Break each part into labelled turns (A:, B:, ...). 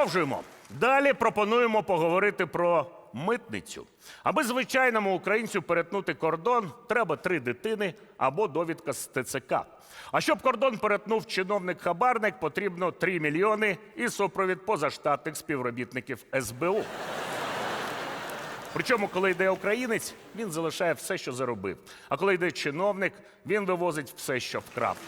A: Продовжуємо. Далі пропонуємо поговорити про митницю. Аби звичайному українцю перетнути кордон, треба 3 дитини або довідка з ТЦК. А щоб кордон перетнув чиновник-хабарник, потрібно 3 мільйони і супровід позаштатних співробітників СБУ. Причому, коли йде українець, він залишає все, що заробив. А коли йде чиновник, він вивозить все, що вкрав.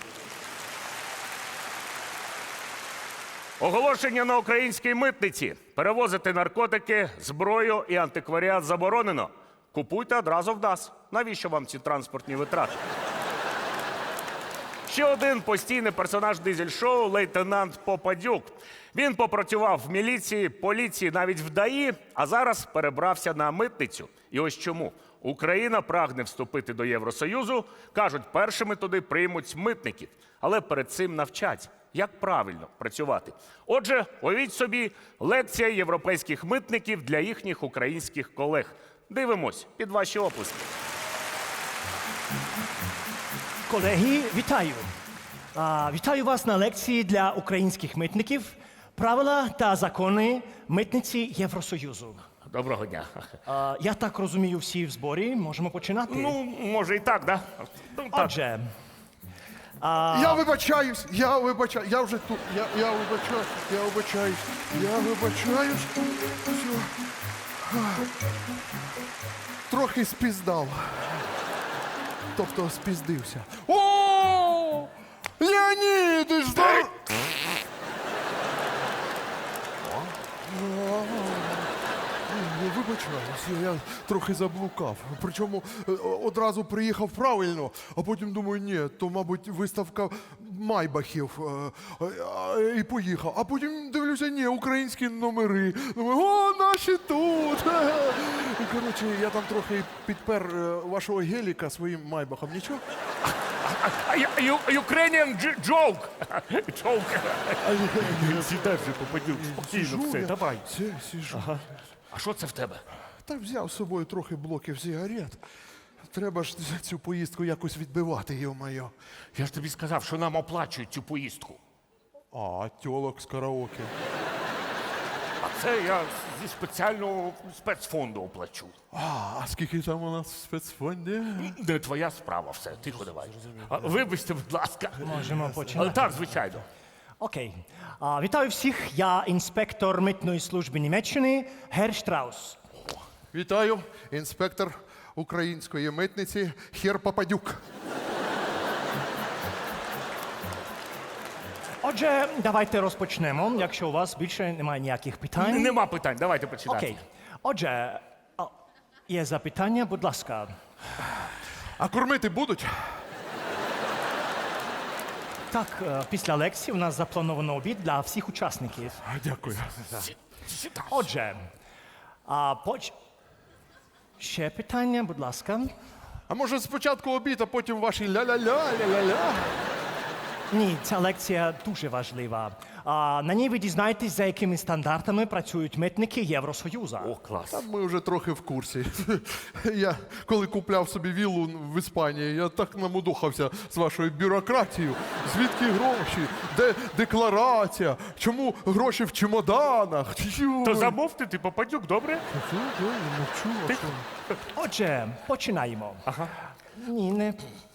A: Оголошення на українській митниці. Перевозити наркотики, зброю і антикваріат заборонено. Купуйте одразу в нас. Навіщо вам ці транспортні витрати? Ще один постійний персонаж дизель-шоу – лейтенант Попадюк. Він попрацював в міліції, поліції, навіть в ДАІ, а зараз перебрався на митницю. І ось чому. Україна прагне вступити до Євросоюзу. Кажуть, першими туди приймуть митників. Але перед цим навчать, як правильно працювати. Отже, уявіть собі, лекція європейських митників для їхніх українських колег. Дивимось під ваші оплески.
B: Колеги, вітаю! Вітаю вас на лекції для українських митників «Правила та закони митниці Євросоюзу».
A: Доброго дня.
B: Я так розумію, всі в зборі. Можемо починати?
A: Ну, може і так, да? Ну, так.
B: Отже,
C: Я вибачаюсь, я вже тут, я вибачаюсь. Все. Трохи спіздав. Тобто спіздився. О! Леонід, здоров... Я вибачаюсь, я трохи заблукав. Причому одразу приїхав правильно, а потім думаю, ні, то, мабуть, виставка майбахів. І поїхав. А потім дивлюся, ні, українські номери. Думаю, о, наші тут. І, коротше, я там трохи підпер вашого геліка своїм майбахом. Нічого?
A: Ukrainian joke. Joke. Сідай вже, Попадюк, спокійно все, давай.
C: Сижу.
A: Ага. А що це в тебе?
C: Та взяв з собою трохи блоків сигарет. Треба ж цю поїздку якось відбивати, йо-моє.
A: Я ж тобі сказав, що нам оплачують цю поїздку.
C: А, тьолок з караоке.
A: А це я зі спеціального спецфонду оплачу.
C: А скільки там у нас в спецфонді?
A: Не твоя справа все, тихо давай. Вибачте, будь ласка.
B: можемо починати.
A: Так, звичайно.
B: Окей. Вітаю всіх. Я інспектор митної служби Німеччини Гер Штраус.
C: Вітаю, інспектор української митниці Хер Попадюк.
B: Отже, давайте розпочнемо, якщо у вас більше немає ніяких питань.
A: Нема питань, давайте починати.
B: Окей. Отже, є запитання, будь ласка.
C: А кормити будуть?
B: Так, після лекції у нас заплановано обід для всіх учасників.
C: Дякую.
B: Отже, ще питання, будь ласка.
C: А може спочатку обід, а потім ваші ля-ля-ля, ля-ля-ля?
B: Ні, ця лекція дуже важлива. На ній ви дізнаєтесь, за якими стандартами працюють митники Євросоюзу.
A: О, клас.
C: Та ми вже трохи в курсі. Я, коли купляв собі віллу в Іспанії, я так намудохався з вашою бюрократією. Звідки гроші? Де декларація? Чому гроші в чемоданах?
A: То замовте, ти Попадюк, добре?
B: Отже, починаємо.
A: Ага.
B: Ні, не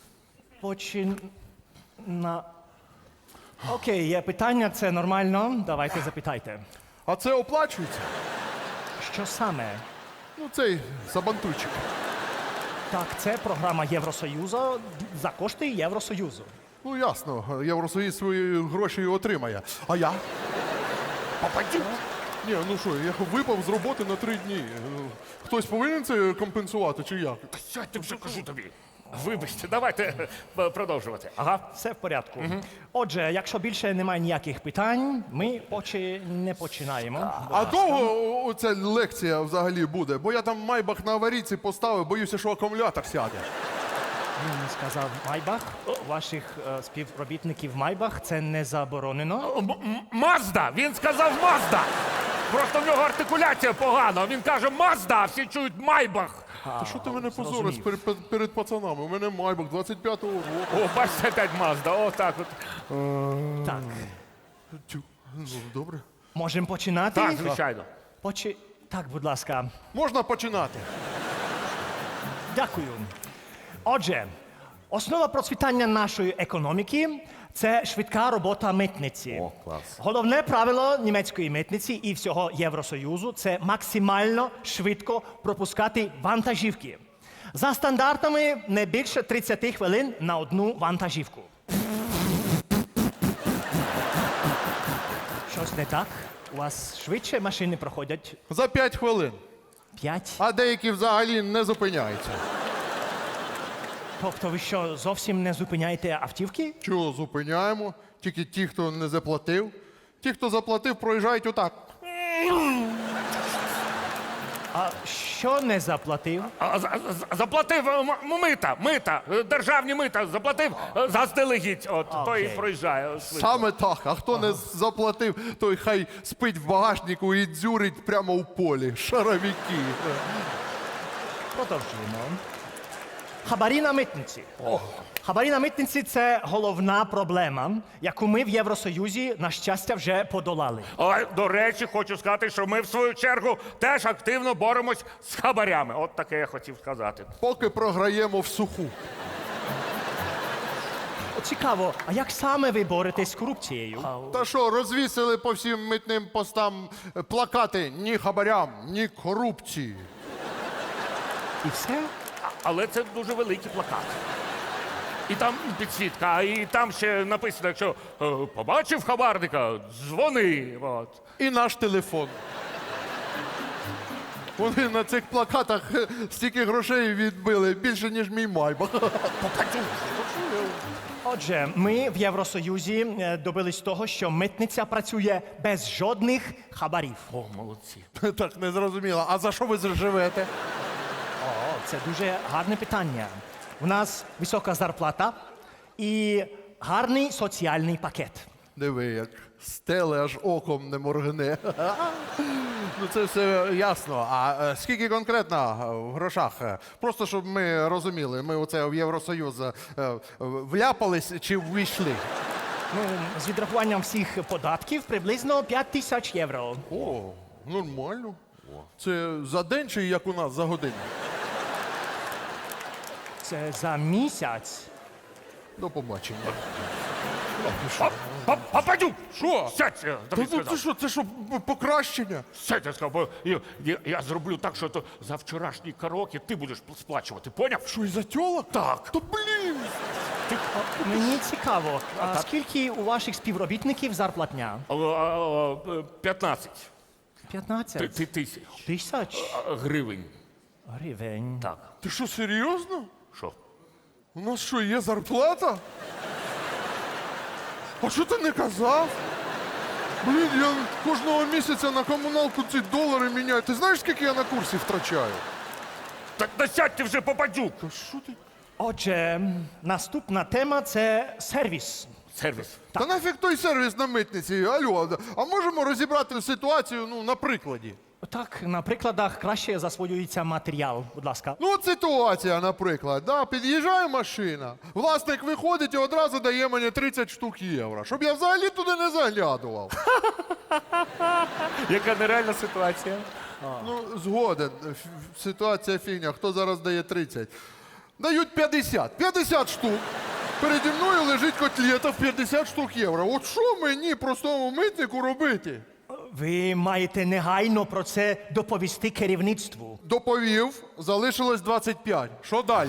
B: Окей, є питання, це нормально. Давайте запитайте.
C: А це оплачується?
B: Що саме?
C: Ну, цей сабантуйчик.
B: Так, це програма Євросоюзу за кошти Євросоюзу.
C: Ну, ясно, Євросоюз свої гроші отримає. А я?
A: Попадюк?
C: Ні, ну що, я випав з роботи на 3 дні. Хтось повинен це компенсувати, чи як?
A: Сядьте вже, кажу тобі. Вибачте, давайте продовжувати. Ага.
B: Все в порядку. Отже, якщо більше немає ніяких питань, ми не починаємо.
C: А довго ця лекція взагалі буде? Бо я там майбах на аварійці поставив, боюся, що акумулятор сяде.
B: Він сказав Майбах. Ваших співробітників Майбах це не заборонено.
A: Мазда! Він сказав Мазда! Просто в нього артикуляція погана. Він каже Мазда, а всі чують Майбах.
C: Та що ти мене позориш перед пацанами? У мене майбах 25-го року.
A: О, бачите, опять Мазда, отак от.
B: Так.
C: Ну, добре.
B: Можемо починати?
A: Так, звичайно.
B: Так, будь ласка.
C: Можна починати?
B: Дякую. Отже, основа процвітання нашої економіки це швидка робота митниці.
A: О, клас.
B: Головне правило німецької митниці і всього Євросоюзу це максимально швидко пропускати вантажівки. За стандартами не більше 30 хвилин на одну вантажівку. Щось не так? У вас швидше машини проходять
C: За 5 хвилин.
B: 5?
C: А деякі взагалі не зупиняються.
B: Тобто ви що, зовсім не зупиняєте автівки?
C: Чого зупиняємо? Тільки ті, хто не заплатив. Ті, хто заплатив, проїжджають отак.
B: А що не заплатив?
A: Заплатив мита, державні мита, заплатив заздалегідь. От, той і
B: Окей.
A: проїжджає. швидко.
C: Саме так. А хто не заплатив, той хай спить в багажнику і дзюрить прямо у полі. Шаровіки.
B: Продовжуємо. Хабарі на митниці. Хабарі на митниці це головна проблема, яку ми в Євросоюзі, на щастя, вже подолали.
A: А, до речі, хочу сказати, що ми в свою чергу теж активно боремось з хабарями. От таке я хотів сказати.
C: Поки програємо в суху.
B: Цікаво, а як саме ви боретесь з корупцією?
C: Та що, розвісили по всім митним постам плакати ні хабарям, ні корупції.
B: І все?
A: Але це дуже великий плакат. І там підсвітка, і там ще написано, якщо побачив хабарника, дзвони. От.
C: І наш телефон. Вони на цих плакатах стільки грошей відбили, більше, ніж мій майбах.
B: Отже, ми в Євросоюзі добились того, що митниця працює без жодних хабарів.
A: О, молодці.
C: Так, не зрозуміло. А за що ви живете?
B: О, це дуже гарне питання. У нас висока зарплата і гарний соціальний пакет.
C: Диви, як стеле аж оком не моргне. Ну це все ясно. А скільки конкретно в грошах? Просто щоб ми розуміли, ми оце в Євросоюз вляпались чи ввійшли?
B: Ну, з відрахуванням всіх податків приблизно 5000 євро.
C: О, нормально. Це за день чи як у нас за годину?
B: Це за місяць.
C: До побачення.
A: Пападюк!
C: Що?
A: Сядь, тобі сказав.
C: Це що, покращення?
A: Сядь, я сказав, бо я зроблю так, що то за вчорашній караоке ти будеш сплачувати, поняв?
C: Що, і за тьолок?
A: Так.
C: То блін!
B: Мені цікаво, а скільки у ваших співробітників зарплатня?
A: 15
B: 15
A: тисяч
B: тисяч
A: гривень.
B: гривень.
A: Так.
C: Ти що, серйозно?
A: Що?
C: У нас що, є зарплата? А що ти не казав? Блін, я кожного місяця на комуналку ці долари міняю. Ти знаєш, скільки я на курсі втрачаю?
A: Так насядьте вже, Попадюк!
C: Та що ти?
B: Отже, наступна тема це сервіс.
A: Сервіс.
C: Та нафіг той сервіс на митниці? Алло, а можемо розібрати ситуацію, ну, на прикладі?
B: Так, на прикладах краще засвоюється матеріал, будь ласка.
C: Ну, от ситуація, наприклад, да, під'їжджає машина, власник виходить і одразу дає мені 30 штук євро, щоб я взагалі туди не заглядував.
A: Яка нереальна ситуація.
C: Ну, згоден, ситуація фігня, хто зараз дає 30? Дають 50. 50 штук. Переді мною лежить котлета в 50 штук євро. От що мені, простому митнику, робити?
B: Ви маєте негайно про це доповісти керівництву.
C: Доповів, залишилось 25. Що далі?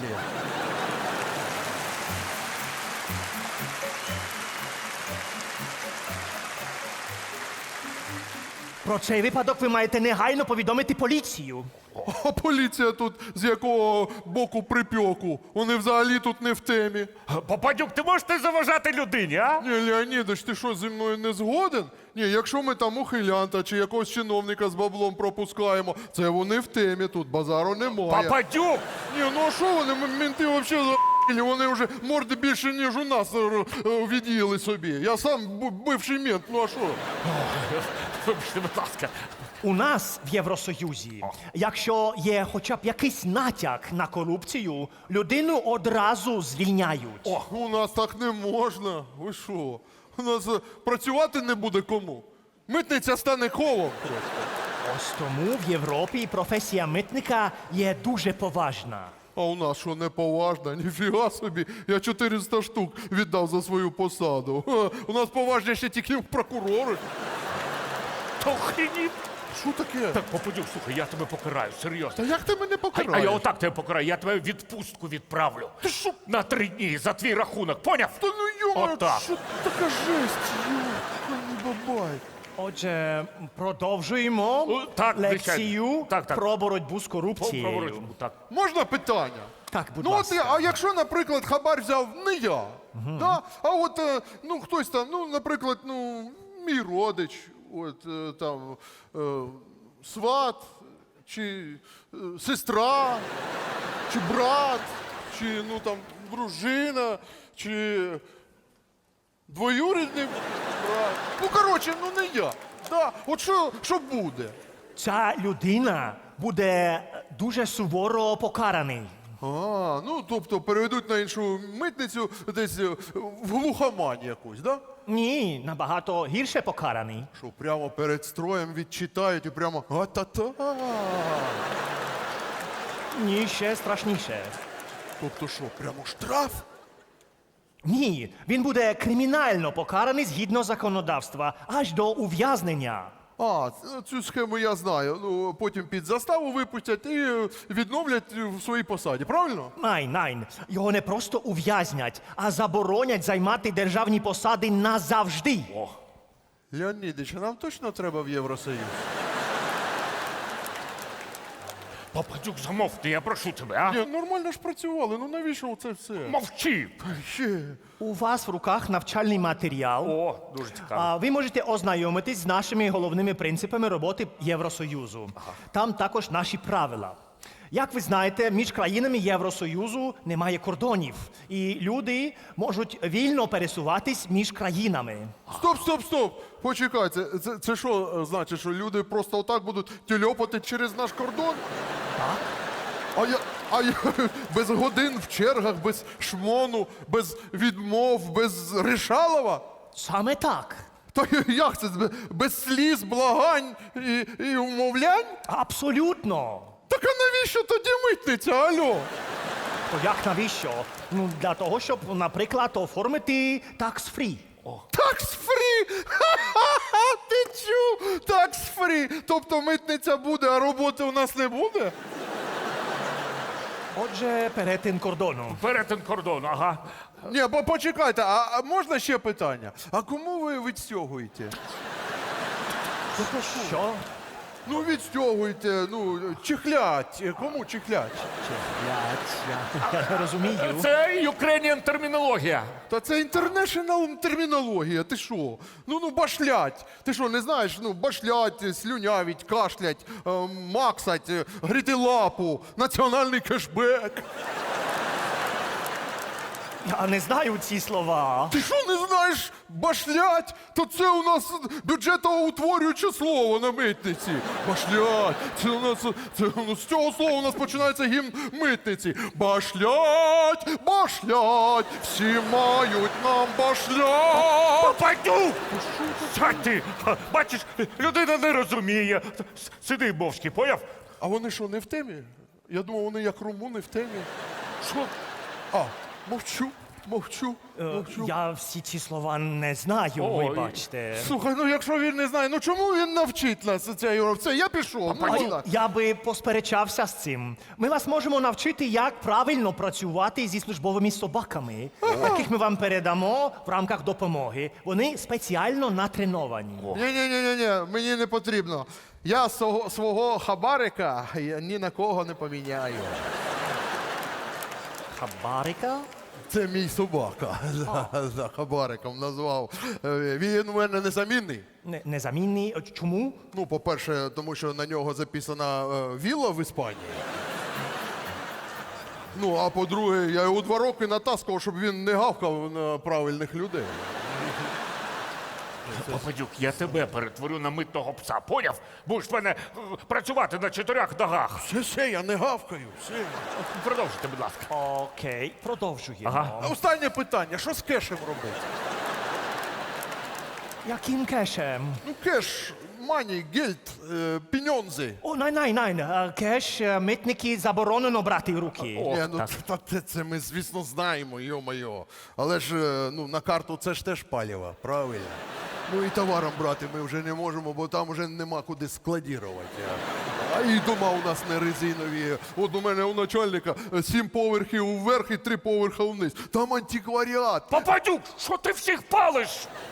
B: Про цей випадок ви маєте негайно повідомити поліцію.
C: А поліція тут з якого боку припеку? Вони взагалі тут не в темі.
A: Попадюк, ти можеш не заважати людині, а?
C: Ні, Леонідович, ти що, зі мною не згоден? Ні, якщо ми там ухилянта чи якогось чиновника з баблом пропускаємо, це вони в темі, тут базару немає.
A: Попадюк!
C: Ні, ну а що вони, менти взагалі за***лі, вони вже морди більше, ніж у нас від'їли собі. Я сам бивший мент, ну а що?
A: Вибачте, будь ласка.
B: У нас в Євросоюзі, якщо є хоча б якийсь натяк на корупцію, людину одразу звільняють.
C: У нас так не можна. Ви що? У нас працювати не буде кому? Митниця стане колом просто.
B: Ось тому в Європі професія митника є дуже поважна.
C: А у нас що, неповажна? Ніфіга собі. Я 400 штук віддав за свою посаду. Ха, у нас поважніше тільки прокурори.
A: Та охренів.
C: Що таке?
A: Так, Попадюк, слухай, я тебе покараю, серйозно.
C: Та як ти мене
A: А
C: покараєш?
A: я отак тебе покараю, я тебе в відпустку відправлю. Ти що? На 3 дні за твій рахунок, поняв?
C: Та ну йома,
A: Отак.
C: що така жесть? Бабай.
B: Отже, продовжуємо
A: Так,
B: лекцію
A: звичайно. Так.
B: про боротьбу з корупцією.
A: Так.
C: Можна питання?
B: Так, будь
C: Ну от,
B: ласка.
C: а якщо, наприклад, хабар взяв не я, да? А от, ну, хтось там, ну, наприклад, ну, мій родич, от, там, сват, чи сестра, чи брат, чи, ну, там, дружина, чи двоюрідний брат. Ну, коротше, ну, не я. Да? От що буде?
B: Ця людина буде дуже суворо покараний.
C: А, ну тобто переведуть на іншу митницю десь в глухомань якусь, да?
B: Ні, набагато гірше покараний.
C: Що прямо перед строєм відчитають і прямо а-та-та.
B: Ні, ще страшніше.
C: Тобто що, прямо штраф?
B: Ні, він буде кримінально покараний згідно законодавства, аж до ув'язнення.
C: А, цю схему я знаю. Ну, потім під заставу випустять і відновлять в своїй посаді, правильно?
B: Найн. Його не просто ув'язнять, а заборонять займати державні посади назавжди.
C: Леонідич, а нам точно треба в Євросоюз?
A: Попадюк, замовкни, я прошу тебе, а?
C: Ні, нормально ж працювали, ну навіщо це все?
A: Мовчи.
C: Ще.
B: У вас в руках навчальний матеріал.
A: О, дуже цікаво.
B: А ви можете ознайомитись з нашими головними принципами роботи Євросоюзу. Там також наші правила. Як ви знаєте, між країнами Євросоюзу немає кордонів, і люди можуть вільно пересуватись між країнами.
C: Стоп! Почекай, це що значить, що люди просто отак будуть тюльопати через наш кордон?
B: Так?
C: А я без годин в чергах, без шмону, без відмов, без рішалова?
B: Саме так.
C: Та як це? Без сліз, благань і умовлянь?
B: Абсолютно.
C: Так а навіщо тоді митниця, алло?
B: То як навіщо? Ну, для того, щоб, наприклад, оформити tax-free.
C: Такс-фрі! Ха-ха-ха! Ти чув? Такс-фрі! Тобто митниця буде, а роботи у нас не буде?
B: Отже, перетин кордону.
A: Перетин кордону, ага.
C: Ні, почекайте, а можна ще питання? А кому ви відстягуєте?
B: Що?
C: Ну, відстягуєте, ну, чихлять. Кому чихлять?
B: Я не розумію.
A: Це Ukrainian термінологія.
C: Та це інтернешнл термінологія, ти що? Ну, башлять. Ти що, не знаєш? Ну, башлять, слюнявіть, кашлять, максать, гріти лапу, національний кешбек.
B: Я не знаю ці слова.
C: Ти що не знаєш башлять? То це у нас бюджетоутворююче слово на митниці. Башлять. Це у нас з цього слова у нас починається гімн митниці. Башлять, башлять, всі мають нам башлять.
A: Попадюк! Сядь ти! Бачиш, людина не розуміє. Сиди мовчки, поняв?
C: А вони що, не в темі? Я думав, вони як румуни в темі. Що? А, мовчу.
B: Я всі ці слова не знаю,
A: Ой.
B: вибачте.
C: Слухай, ну якщо він не знає, ну чому він навчить нас це? Я пішов. Ну, ладно.
B: Я би посперечався з цим. Ми вас можемо навчити, як правильно працювати зі службовими собаками, яких ми вам передамо в рамках допомоги. Вони спеціально натреновані.
C: Ні, мені не потрібно. Я свого хабарика ні на кого не поміняю.
B: Хабарика?
C: Це мій собака. За хабариком назвав. Він у мене незамінний.
B: Незамінний. Чому?
C: Ну, по-перше, тому що на нього записана вілла в Іспанії. Ну, а по-друге, я його 2 роки натаскував, щоб він не гавкав на правильних людей.
A: Попадюк, я тебе перетворю на митного пса, поняв? Будеш в мене працювати на 4 ногах.
C: Все, я не гавкаю. Все.
A: Продовжуйте, будь ласка.
B: Окей, продовжуємо.
A: Ага.
C: Останнє питання: що з кешем робити?
B: Яким кешем?
C: Ну, кеш, мані, гельд, піньонзи.
B: О, най. Кеш митники заборонено брати в руки.
C: Ні, ну це ми, звісно, знаємо, йо-моє. Але ж ну, на карту це ж теж паліво, правильно? Ну і товаром брати ми вже не можемо, бо там вже нема куди складірувати. А і дома у нас не резинові. От у мене у начальника 7 поверхів вверх і 3 поверха вниз. Там антикваріат.
A: Попадюк, що ти всіх палиш?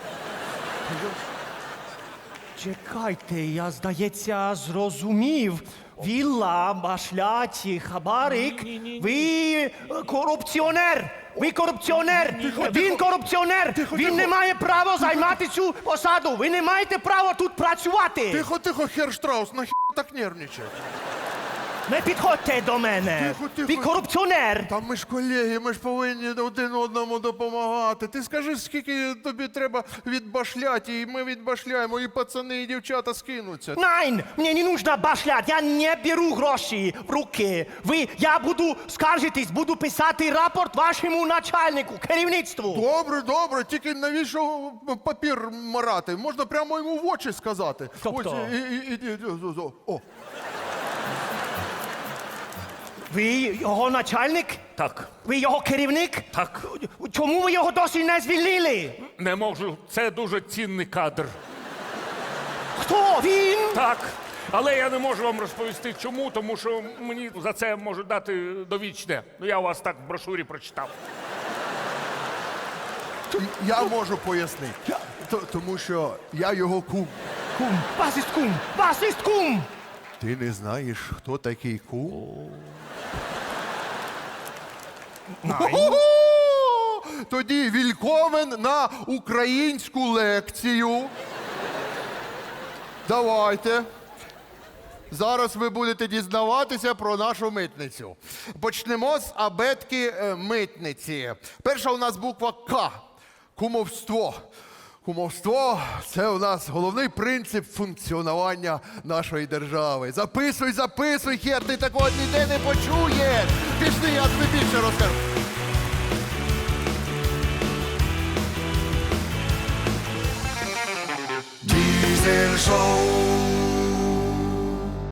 B: Чекайте, я, здається, зрозумів. Вілла, башляті, хабарик. Ви корупціонер! Ви корупціонер! Він корупціонер! Він не має права займати цю посаду! Ви не маєте права тут працювати!
C: Тихо, хер Штраус, нахер так нервничає?
B: Не підходьте до мене!
C: Тихо.
B: Ви корупціонер!
C: Та ми ж колеги, ми ж повинні один одному допомагати. Ти скажи, скільки тобі треба відбашляти, і ми відбашляємо, і пацани, і дівчата скинуться.
B: Nein, мне не нужно башлять, я не беру гроші в руки. Я буду скаржитись, буду писати рапорт вашому начальнику, керівництву.
C: Добре, тільки навіщо папір марати? Можна прямо йому в очі сказати.
B: Тобто?
C: О,
B: Ви його начальник?
A: Так,
B: Ви його керівник?
A: так.
B: Чому ви його досі не звільнили?
A: Не можу. Це дуже цінний кадр.
B: Хто він?
A: Так. Але я не можу вам розповісти чому, тому що мені за це можуть дати довічне. Ну, я у вас так в брошурі прочитав.
C: я можу пояснити. Тому що я його кум.
B: Кум. Вас іст кум. Вас іст кум.
C: Ти не знаєш, хто такий кум? О-хо-хо! Тоді вільковен на українську лекцію. Давайте. Зараз ви будете дізнаватися про нашу митницю. Почнемо з абетки митниці. Перша у нас буква К. Кумовство. Кумовство – це у нас головний принцип функціонування нашої держави. Записуй, хер, ти такого ніде не почуєш. Пішли, я тобі більше розкажу.